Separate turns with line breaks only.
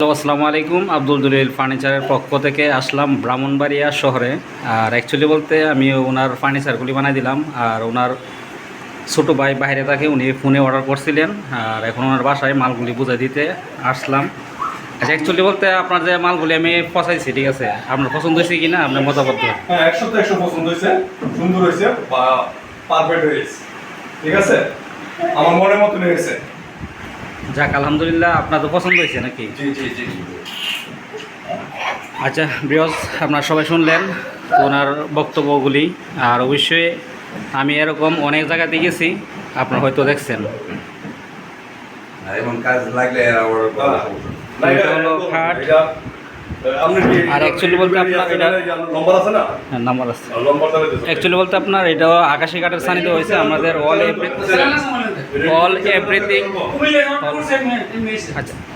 তো আসসালামু আলাইকুম, আব্দুল জলিল ফার্নিচারের পক্ষ থেকে আসলাম ব্রাহ্মণবাড়িয়া শহরে। আর অ্যাকচুয়ালি বলতে আমি ওনার ফার্নিচারগুলি বানাই দিলাম। আর ওনার ছোটো ভাই বাইরে থাকে, উনি ফোনে অর্ডার করছিলেন। আর এখন ওনার বাসায় মালগুলি বুঝাই দিতে আসলাম। আচ্ছা, অ্যাকচুয়ালি বলতে আপনার যে মালগুলি আমি পচাইছি, ঠিক আছে, আপনার পছন্দ হয়েছে কি না, আপনার মতামত দেন।
হ্যাঁ, 100 পছন্দ হয়েছে, সুন্দর হয়েছে বা পারফেক্ট হয়েছে, ঠিক আছে, আমার মনের মতন হয়েছে।
যাক, আলহামদুলিল্লাহ, আপনার তো পছন্দ হয়েছে নাকি?
জি জি জি জি।
আচ্ছা ব্রিয়স, আপনারা সবাই শুনলেন ওনার বক্তব্যগুলি। আর অবশ্যই আমি এরকম অনেক জায়গাতে গেছি, আপনারা হয়তো দেখছেন।
এমন কাজ লাগলে আবার
না,
এটা হলো খাট।
আপনি কি
আর actually বলতে আপনার এটা
নম্বর আছে না?
হ্যাঁ, নাম্বার আছে।
নম্বর তাহলে দিতে
অ্যাকচুয়ালি বলতে আপনার এটাও আকাশি কাঠের সানিতে হয়েছে। আমাদের অল এভরিথিং। আচ্ছা